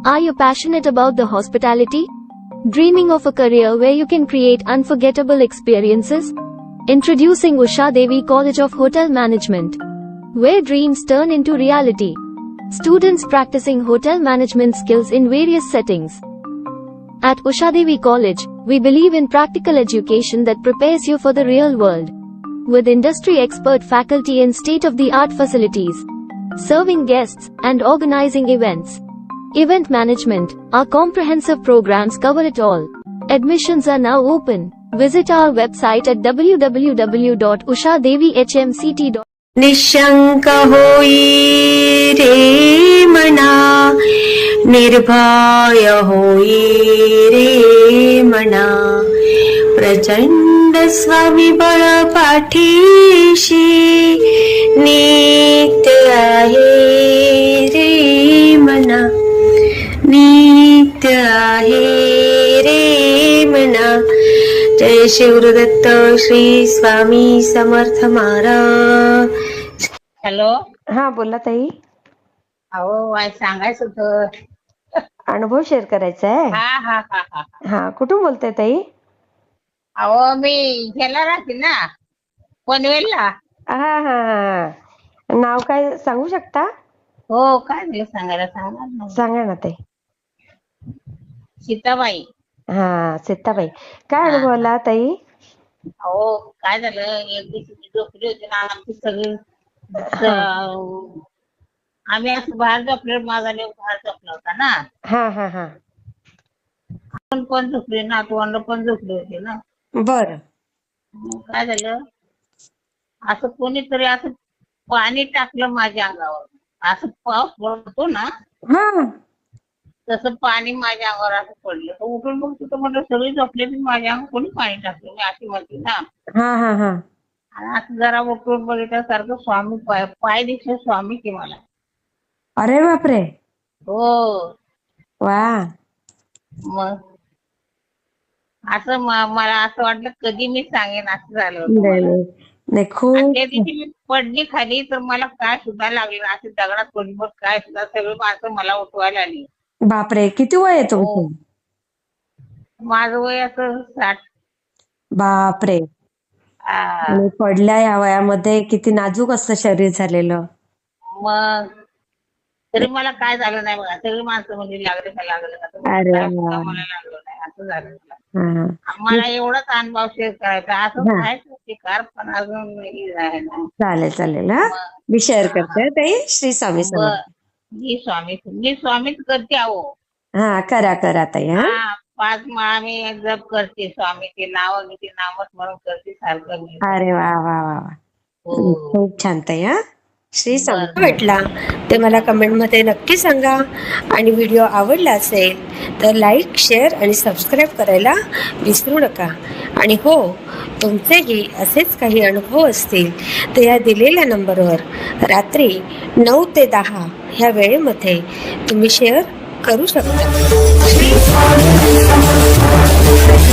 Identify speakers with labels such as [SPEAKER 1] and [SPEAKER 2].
[SPEAKER 1] Are you passionate about the hospitality? Dreaming of a career where you can create unforgettable experiences? Introducing Usha Devi College of Hotel Management, where dreams turn into reality. Students practicing hotel management skills in various settings. At Usha Devi College, we believe in practical education that prepares you for the real world. With industry expert faculty and state-of-the-art facilities, serving guests, and organizing events. Event management, our comprehensive programs cover it all. Admissions are now open. Visit our website at www.ushadevihmct.com.
[SPEAKER 2] Nishank होई रे मना, निर्भय होई रे मना, प्रचंड स्वामीबळ पाठीशी नित्य आहे रे मना, नित्य आहे रे मना. जय शिवदत्त श्री स्वामी समर्थ महाराज.
[SPEAKER 3] हॅलो.
[SPEAKER 2] हा बोला ताई.
[SPEAKER 3] अहो सांगायचं होतं.
[SPEAKER 2] अनुभव शेअर करायचा आहे.
[SPEAKER 3] हा हा हा हा
[SPEAKER 2] हा कुठून बोलताय ताई?
[SPEAKER 3] अहो मी ह्याला राहते ना, पनवेलला.
[SPEAKER 2] हा हा हा. नाव काय सांगू शकता?
[SPEAKER 3] हो, काय झालं सांगायला सांगणार ना.
[SPEAKER 2] सांगा ना ताई.
[SPEAKER 3] सीताबाई.
[SPEAKER 2] हा सीताबाई. काय
[SPEAKER 3] हा.
[SPEAKER 2] अनुभव आला ताई?
[SPEAKER 3] अहो काय झालं, एक दिवशी मी झोपली होती ना, आमची सगळी आम्ही असं बाहेर झोपले, माझा लेव बाहेर झोपला होता ना.
[SPEAKER 2] हा हा हा.
[SPEAKER 3] आपण पण झोपले ना, तोंड पण झोपले होते ना.
[SPEAKER 2] बर.
[SPEAKER 3] मग काय झालं, असं कोणीतरी असं पाणी टाकलं माझ्या अंगावर. असं पाऊस पडतो ना,
[SPEAKER 2] हा
[SPEAKER 3] तसं पाणी माझ्या अंगावर असं पडलं. तर उठून बघ तिथं म्हटलं सगळी झोपले, माझ्या अंगावर कोणी पाणी टाकलं, मी अशी म्हणते ना.
[SPEAKER 2] हा हा हा.
[SPEAKER 3] आणि असं जरा उठून बघितल्यासारखं स्वामी पाय दिसले, स्वामी की मला.
[SPEAKER 2] अरे बापरे.
[SPEAKER 3] हो.
[SPEAKER 2] वा.
[SPEAKER 3] मग असं मला असं वाटलं कधी मी सांगेन असं झालं होतं मला.
[SPEAKER 2] नाही
[SPEAKER 3] आणि
[SPEAKER 2] खूप.
[SPEAKER 3] त्या दिवशी मी पडली खाली, तर मला काय सुद्धा लागलं, असे दगडात पडली, मग काय सुद्धा सगळी माणसं मला उठवायला आली.
[SPEAKER 2] बापरे. किती वय आहे
[SPEAKER 3] हो.
[SPEAKER 2] तुमचं?
[SPEAKER 3] माझं वय असं 60.
[SPEAKER 2] बापरे. आणि पडल्या या वयामध्ये किती नाजूक असतं शरीर झालेलं.
[SPEAKER 3] मग तरी मला काय झालं नाही बघा. सगळी माणसं म्हणजे लागलं का लागलं का, तर
[SPEAKER 2] अरे
[SPEAKER 3] काय सुद्धा
[SPEAKER 2] वा.
[SPEAKER 3] मला लागलं नाही, असं झालं मला.
[SPEAKER 2] हा.
[SPEAKER 3] मला एवढाच अनुभव शेअर करायचा. असं
[SPEAKER 2] हा.
[SPEAKER 3] व्हायचं शिकार, पण अजून नाही आहे ना.
[SPEAKER 2] चालेल चालेल. हा
[SPEAKER 3] मग
[SPEAKER 2] मी शेअर करते ताई. श्री स्वामी समर्थ.
[SPEAKER 3] मी स्वामीच करते. अहो
[SPEAKER 2] हा करा करा ताई. हा
[SPEAKER 3] 5 माळा मी जप करते, स्वामीचे नाव घेते, नामस्मरण करते सारखं मी.
[SPEAKER 2] अरे वा वा वा वा.
[SPEAKER 3] हो.
[SPEAKER 2] खूप छान ताई. हा श्री स्वामी.
[SPEAKER 3] बरं.
[SPEAKER 2] भेटला ते मला कमेंटमध्ये नक्की सांगा. आणि व्हिडिओ आवडला असेल तर लाईक शेअर आणि सबस्क्राईब करायला विसरू नका. आणि हो, तुमचेही असेच काही अनुभव असतील तर या दिलेल्या नंबरवर रात्री 9 ते 10 ह्या वेळेमध्ये तुम्ही शेअर करू शकता.